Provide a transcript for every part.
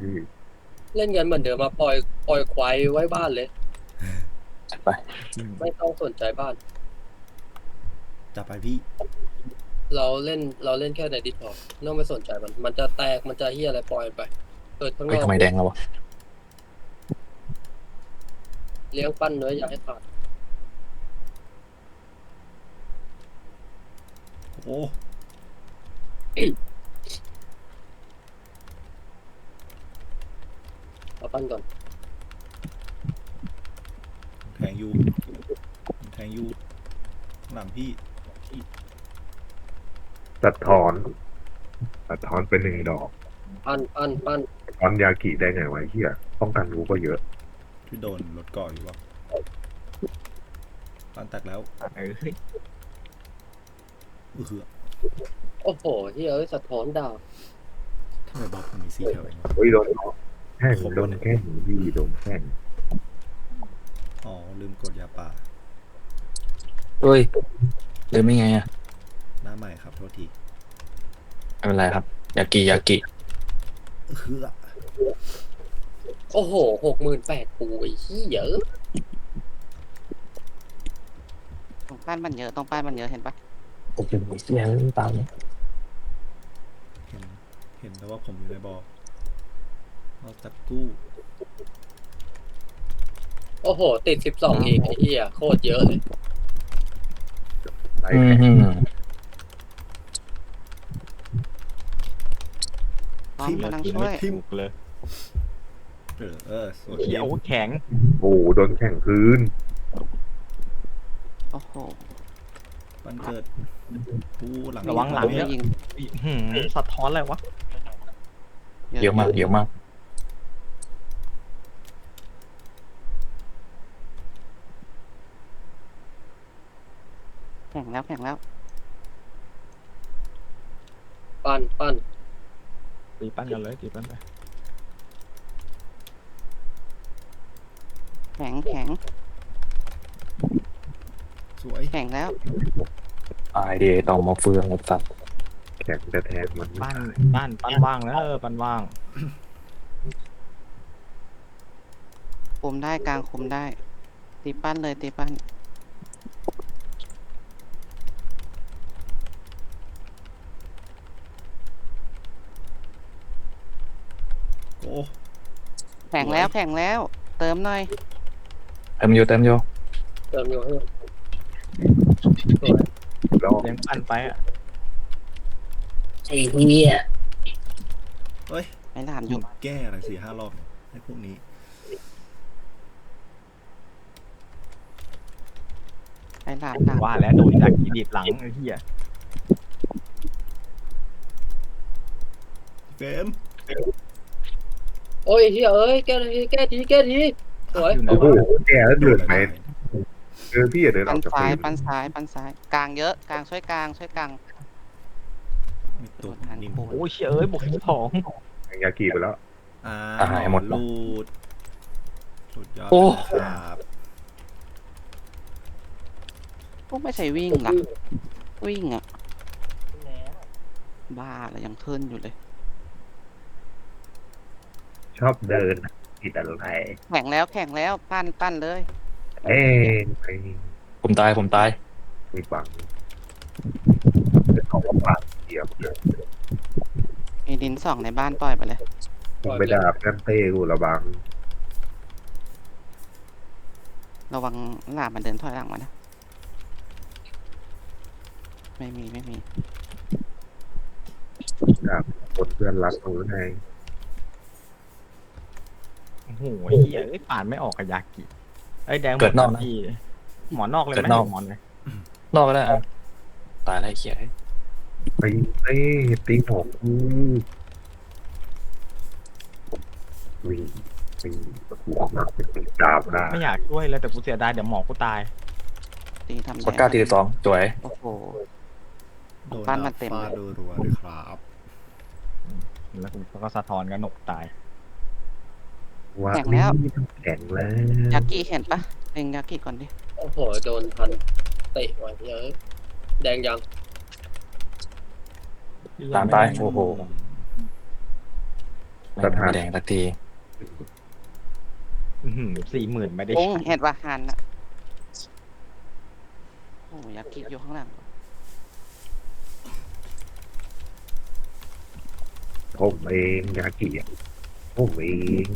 เล่นกันเหมือนเดิมมาปล่อยควายไว้บ้านเลยจัดไปจริงไม่ต้องสนใจบ้านจับไปพี่เราเล่นแค่ในดิสคอร์ดไม่ต้องไปสนใจมันจะแตกมันจะเฮียอะไรปล่อยไปเกิดข้างเฮ้ยทำนอกไมแดงแล้ววะเลี้ยงปั้นเนื้ออย่าให้ขาดโอ้เอาปั้นก่อนแทงยูแทงยูหลังพี่สะท้อนสะท้อนเป็นหนึ่งดอกปั้นสะท้อนยากิได้ไงวะเฮียป้องกันรู้ก็เยอะที่โดนรถเกาะอยู่วะปันแตกแล้วเฮ้ยอือหือโอ้โหเฮียสะท้อนดาวทำไมบล็อกมันมีสีแถวเองวะเฮ้ยโดนแข้งโดนแข้งพี่โดนแข้งอ๋อลืมกดยาป่าเฮ้ยเดินไม่ไงอ่ะหน้าใหม่ครับโทษทีไม่เป็นไรครับยากิอือหือโอ้โห68,000ปูไอ้เฮียตรงป้านมันเยอะตรงป้านมันเยอะเห็นปะโอ้โหเสียงตามเห็นแต่ว่าผมอยู่ในบอเราจัดกู้โอ้โหติด12เองไอ้เฮียโคตรเยอะเลยไล่อืแข้งมพร้อมกำลังช่วยทิมเลยสวยเขียวแข็งโอ้โหโดนแข้งพื้นโอ้โหปันเกิดกู้หลังระวังหลังไม่เนี่ยยิงสะท้อนอะไรวะเยอะมากแข่งแล้วแข่งแล้วปั้นตีปั้นกันเลยตีปั้นไปแข็งสวยแข่งแล้วตายดีต่อมาเฟืองหมดสัตว์แข้งแต่แทงมันปั้นว่างแล้วปั้นว่างคุมได้กลางคุมได้ ตีปั้นเลยตีปั้นโอ้แข่งแล้วแข่งแล้ว เติมหน่อยเต็มอยู่เติมอยู่ให้สวยแล้วเลี้ยงปั้นไปอ่ะไอ้เหี้ยเฮ้ยไม่หลามอยุยู่ดแก้อะไร4-5 รอบเนี่ยให้พวกนี้ไม่หลามหลามว่าแล้วโดนจากกีดีดหลังไอ้เหี้ยเฟรมโอ้ยเฮียเอ้ยแก้ทีสวยอยู่ไหนโอ้โหวะแก่แล้วเดินไปพี่อย่าเดินอปั้อน กจากซ้ายพื้นปั้นซ้ายกลางเยอะกลางช่วยกลางมีตัวนิ่มโอ้ยเชี่ยเอ้ยบวก12 ยากิไปแล้วหายหมดลูดสุดยอดโอ้เลยครับก็ไม่ใช่วิ่งหรอวิ่งอ่ะบ้าเลยยังขึ้นอยู่เลยชอบเดินติดอะไรแข่งแล้วปั้นเลยเอ้ยไม่ผมตายไม่ฟังเขาก็ปาดเดียบเลยมีดินสองในบ้านปล่อยไปเลยผมไปด่าแป้มเต้กูระบังระวังหลามมันเดินถอยหลังมานะ ไม่มีด่าคนเพื่อนรักหนูไงโอ้โหไอ้เหี้ยเอ้ยป่านไม่ออกกับยากิไอ้แดงหมเกิดนอกนะนะพี่หมอนอกเลยเกิดไหมนอกหมอนเลยนอกก็ได้อ่ะตายแล้วไอ้เหี้ยตีเต้ตีหอกกูวิ่งหัวหนักเป็นดาบหน้าไม่อยากช่วยเลยแต่กูเสียดายเดี๋ยวหมอกูตายตีทำกด9 42สวยโอ้โหโดนปั้นดามาบเต็มฟาเลยรัวๆเลยครับแล้วกูก็สะท้อนกันหนกตายว่าแข่งแล้วแข่งแล้วยากิเห็นปะเล็งยากิก่อนดิโอ้โหโดนพันเตะว่ะเยอะแดงยังตามตายโอ้โหไม่แดงสักที 40,000ไม่ได้โอ้ใช้เห็ดว่าหันอะโอ้ยากิอยู่ข้างหลังผมเองยากิอ่ะผมเอง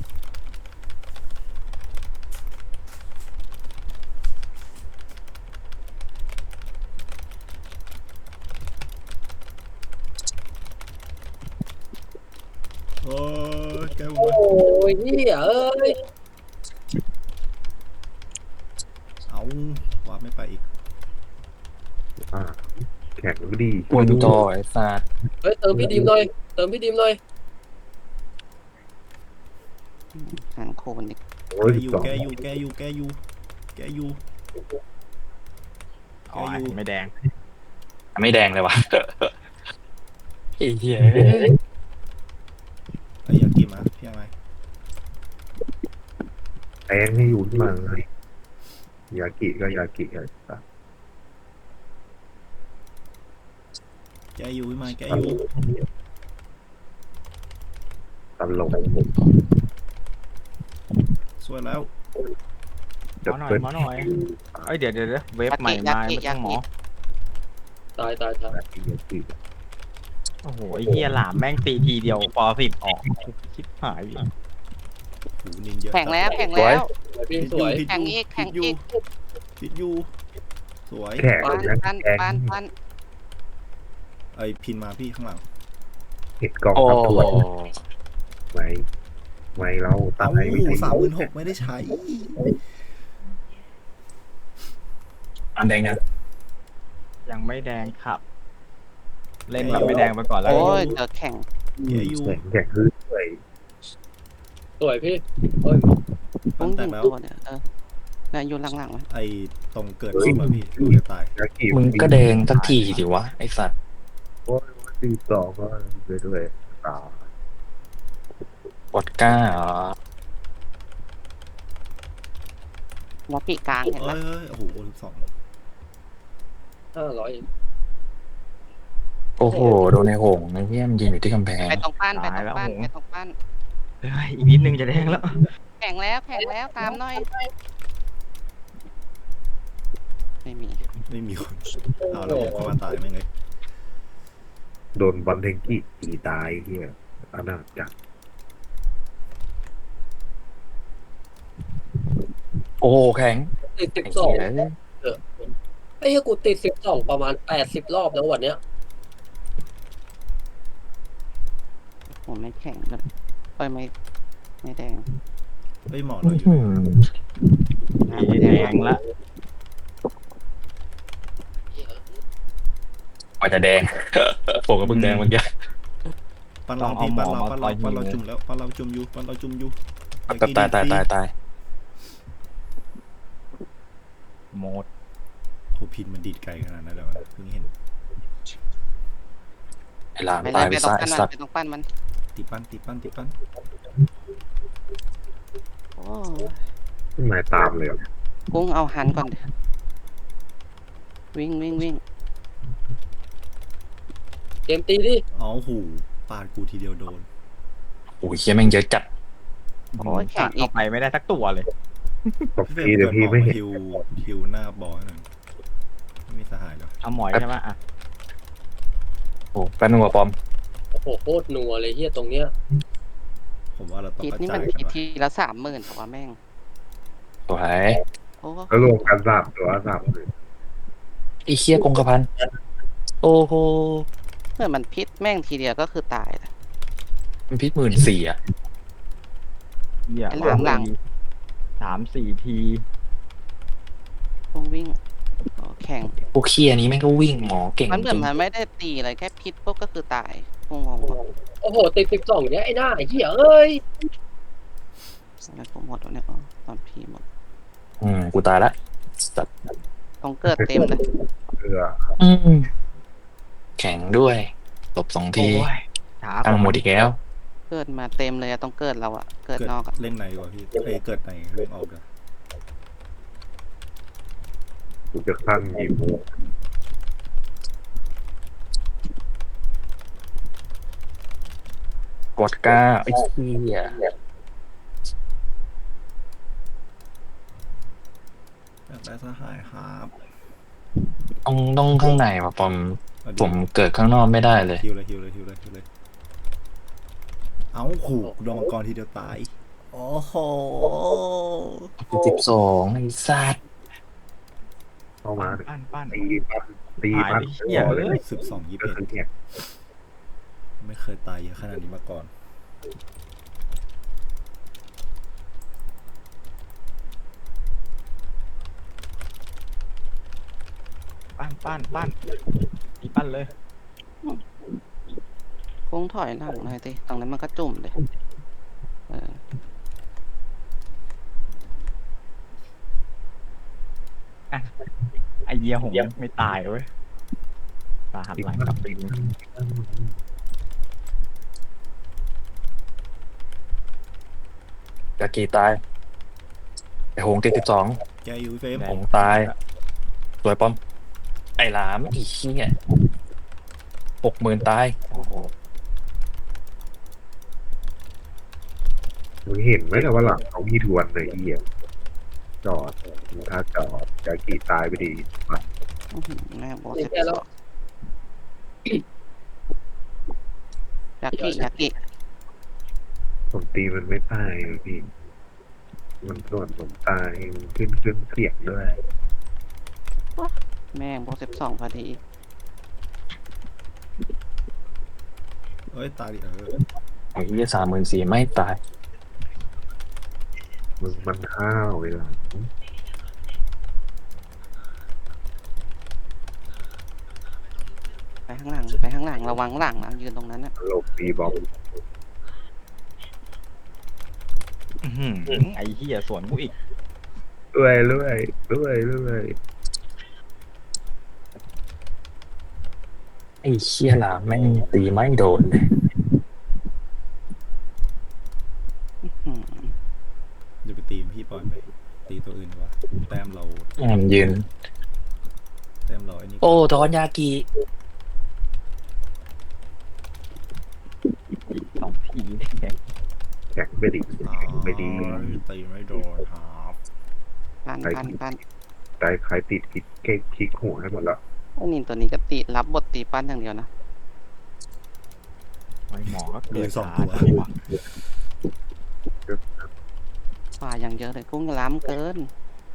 โอ้ยแกโอ้ยเฮียเอ้ยเอาวาร์ปไม่ไปอีกอ่าแข็งก็ดีปวดต่อไอ้สัตว์เฮ้ยเติมพี่ดิมหน่อยเติมพี่ดิมหน่อยหันโคนอีกโอ้ยแก 12 อยู่แกอยู่แกอยู่แกอยู่อ๋อไม่แดงไม่แดงเลยวะไอ้เหี้ยไอ้ยากิมาพี่ยังไงแองให้อยู่ที่มาไงยากิก็ยากิอะไรต่างแกอยู่พี่มาแกอยู่ตลกสวยแล้วจะหมอหน่อยเป็นหมอหน่อย เอ้ยเดี๋ยวเว็บใหม่มาไม่ต้องหมอตายยากิโอ้โหไอ้เหี้ยหลามแม่งตีทีเดียวปอ10ออกชิบหายหูนินเยอะแข่งแล้วแข่งแล้วพี่สวยแข่งอีกแข่งอีกพิดอยู่สวยแข็งปันนะปันแข็งปันปันไอ้พินมาพี่ข้างหลังเห็ดกองโอ้ทัพโหตัวไม่เราตาเอ้ายไม่ได้ 36,000ไม่ได้ใช้อันแดงนะยังไม่แดงครับ เล่นแบบไม่แดงไปก่อนแล้วโอ้ยเจอแข่งแกอยู่แข็งคือเลยสวยพี่เฮ้ยต้ปั้องนแตยิกงแล้วตัวเนี่ยเนี่ยอยู่หลังๆไหมไอ้ตรงเกิดขึ้นมาพี่ดูจะตายยากิมึงก็แดงสักทีสิวะไอ้สัตว์โอ้ย12ก็ด้วยตาปวดก้าเหรอหัวปีกกลางเห็นไหมเอ้ยโอ้โห12 โอ้โหโดนในหงส์ไอ้เหี้ยมันยืนอยู่ที่กำแพงไปตรงปั้นไปตรงปั้นไปตรงปั้นเอ้ยอีกนิดนึงจะแดงแล้วแข่งแล้วแข่งแล้วตามหน่อยไม่มีไม่มีคนเอาแล้วผมเข้ามาตายไม่ไงโดนบอลเทงกี้ตีตายเฮียอนาจจักโอ้โหแข็งติดไอ้ 12 เหี้ยไอ้เหี้ยกูติด12ประมาณ80รอบแล้ววันเนี้ยผมไม่แข่งเลยเอ้ยไม่แดงเฮ้ยหมอเราอยู่แดงละกว่าจะแดงผมก็เพิ่งแดงเมื่อกี้ปั้นเราพี่ปั้นเราจุ่มแล้วปั้นเราจุ่มอยู่ตายโหมดโหพินมันดีดไกลขนาดนั้นเลยวะเพิ่งเห็นไอ้หลามไปตายไปไปตรงซะปั้ไอ้นมันสัตไปว์ตรงปั้นมันตีปั้นโอ้หมายตามเลยกุ้งเอาหันก่อนเดี๋ยววิ่งเกมตีดิอ๋อหูปาดกูทีเดียวโดนโอ้ยเหี้ยแม่งเยอะจัดโอ้ยแข่ตังดอีเข้าก ไปไม่ได้สักตัวเลยตบทีเดี๋ยวพี่ไม่เห็นฮิวหน้าบอลหน่อยไม่มีสหายหรอเอาหมอยใช่ไหมอ่ะโอ้แป๊บนึงว่ะปอมโอ้โหโคตรนัวเลยเฮียตรงเนี้ยผมว่าเราต้องคิดกระนี่จามันยกันคิดว่ะทีละ30,000แต่ว่าแม่งสวยโอ้แล้วรวมกัน3 ตัวเลยไอ้เหี้ยกงกระพันโอ้โหเมื่อมันพิษแม่งทีเดียวก็คือตายนะมันพิษ14,000อ่ะเหี้ยไอ้หลัง 3-4 ทีกุ้งวิ่งโอ้แข่งพวกเคียนี้แม่งก็วิ่งหมอเก่งมันเหมืจอนริงมันไม่ได้ตีอะไรแค่พิษปุ๊บก็คือตายงงๆว่ะโอ้โหติด12เนี่ยไอ้หน้าไอ้เหี้ยเอ้ยอะไรผมหมดแล้วเนี่ยอ๋อตอนพีหมดกูตายละสัตว์ต้องเกิดเต็มเลยเพื่อแข็งด้วยตบ2 ทีโอ้ยช้าตั้งหมดอีกแล้วเกิดมาเต็มเลยอะต้องเกิดเราอะเกิดนอกอะเล่นในกว่าพี่เกิดในเล่นออกเลยกูจะขั้นกี่โมงกดก้าไอ้เหี้ยอยากได้สหายครับต้องข้างในว่ะปอมเอาดิผมเกิดข้างนอกไม่ได้เลยฮิวเลยฮิวเลยฮิวเลยฮิวเลยเอาขู่โดนมังกรทีเดียวตายโอ้โห 12ไอ้สัตว์เข้ามาปั้นตีปั้นตีหายปั้นไปเหี้ยต่อเลเลยย 12 ก็คือ 21 เนี่ยไม่เคยตายเยอะขนาดนี้มาก่อนปั้นตีปั้นเลยโค้งถอยหลังหน่อยสิตรงนั้นมันก็จุ่มเลยเออไอเหี้ยหงไม่ตายเว้ยตาหันหลังกลับไปดูกากีตายไอ้โหงติด12 แกอยู่เฟรมหงตายสวยปอมไอ้หลามอีกขี้ย60,000ตายโอ้โหมึงเห็นไหมล่ะว่าหลังเขามีทวนเลยเหี้ยจอดถ้าจอดจะกี่ตายไปดีอื้อหือแม่โบตีสิบแค่สแล้อวงยากิผมตีมันไม่ตายเลยพี่มันส่วนผมตายมันขึ้นเสียงด้วยแม่งโบ12พอดีเอ้ยตายดิไอ้เหี้ย34,000ไม่ตายมึงมันห้าวเวลาไปข้างหลังไปข้างหลังระวังหลังนะยืนตรงนั้นนะหลบตีบอมอื้อหือไอเหี้ยสวนกูอีกเรื่อยไอ้เชี่ยหลามแม่งตีไม่โดนเลยอื้อหืออย่าไปตีมพี่ปล่อยไปตีตัวอื่นดีกว่าแต้มเรามันยืนแต้มเราไอ้นี่โอ้ทอนยากิ 2 ทีเนี่ยแข็งไปดิอ๋อแข็งไปดีตีไม่โดนครับปั้นใจใครติดคลิกหัวให้หมดแล้วไอ้นินตัวนี้ก็ตีรับบทตีปั้นอย่างเดียวนะไอหมอก็เกิดมีสองช้าตัวจังวะฝ่าอย่างเยอะเลยกุ้งล้ำเกิน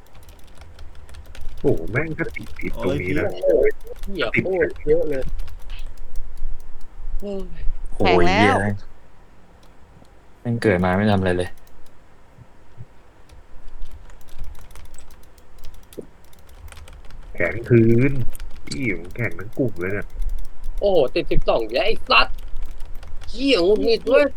โอ้โหแม่งก็ติดตรงนี้นะเหี้ยโคตรเยอะเลยโอ้ยโอ้ยเหี้ยแม่งเกิดมาไม่ทำอะไรเลยแข็งคืนพี่ผมแข็งทั้งกลุ่มเลยเนี่ยโอ้โหติด12แล้วไอ้สัตว์เหี้ยงุดหงิดเว้ย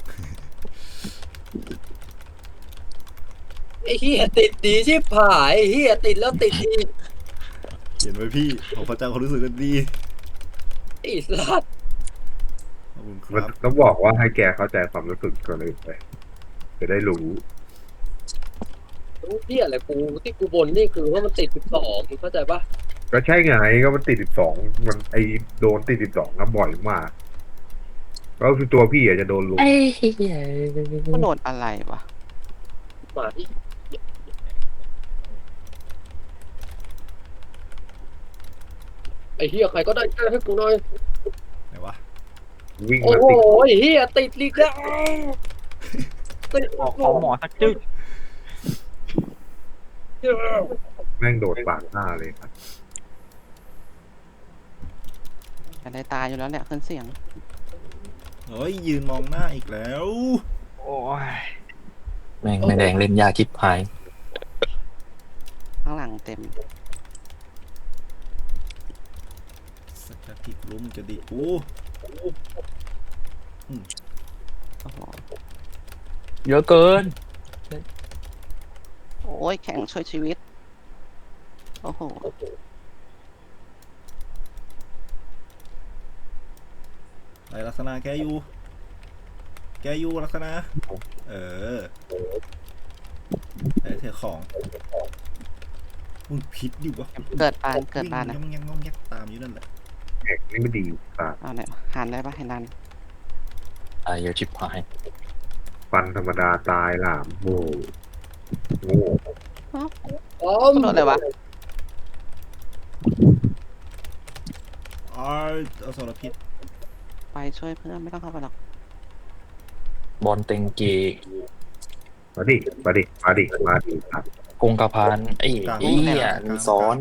ไอ้เหี้ยติดดีชิบหายไอ้เหี้ยติดแล้วติดอีกเห็นไหมพี่ของพระเจ้าเขารู้สึกกันดีไอ้สัตว์ขอบคุณคมันรับต้องบอกว่าให้แกเข้าใจความรู้สึกก่อนเลยไปจะได้รู้รู้เหี้ยอะไรกูที่กูบ่นนี่คือว่ามันติด12มึงเข้าใจปะก็ใช่ไงก็มันติด12มันไอโดนติด12ก็บ่อยมากก็คือตัวพี่อาจจะโดนลุมไอ้เหี้ยก็โดนอะไรวะมาที่ไอ้เหี้ยใครก็ได้ช่วยให้กูหน่อยไหนวะวิ่งโอ้มาโหติดไอ้เหี้ยติดลีกแล้วติดขอหมอสักจึ๊กแม่งโดดปากหน้าเลยครับจะได้ตายอยู่แล้วแหละขึ้นเสียงเฮ้ยยืนมองหน้าอีกแล้วโอ้ยแม่งไม่แดงเล่นยาคิดพายข้างหลังเต็มสักจะติดลุ้มจะดีกูโอ้โหเยอะเกินโอ้ยแข่งช่วยชีวิต โอ้โหไอลักษณะแกอยู่ลักษณะเออไอเธอของมึงพิษดิวะเกิดปานนะวิ่งยังตามอยู่นั่นแหละแข็งนี่ไม่ดีปากเอาไหนอยหันได้ปะให้นันตายเยอะชิบหายฟันธรรมดาตายหลามโง่โง่ป้อมโดนอะไรวะอ๋อเอาสารพิษไปช่วยเพื่อนไม่ต้องเข้าไปหรอกบอลเต็งเกมาดิมาดิมาดิมาดิครับกงกระพานไอ้เหี้ยมีซ้อน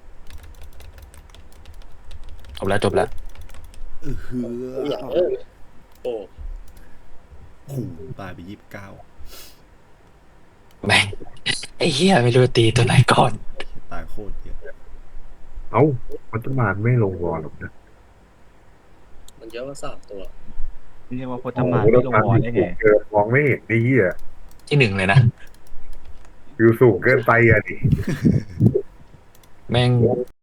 จบแล้วจบแล้วเฮือเหี้ยโอ้โอ้โหตายไป29 แม่งไอ้เหี้ยไม่รู้ตีตัวไหนก่อนตายโคตรเยอะเอ้ามันจะมาไม่ลงวอลหรอกนะมันเยอะกว่า3 ตัวเรียกว่าพจมานไม่ลงวอลได้ไงเกิดมองไม่เห็นดีอ่ะที่หนึ่งเลยนะอยู่สูงเกินไปอ่ะดิแม่ง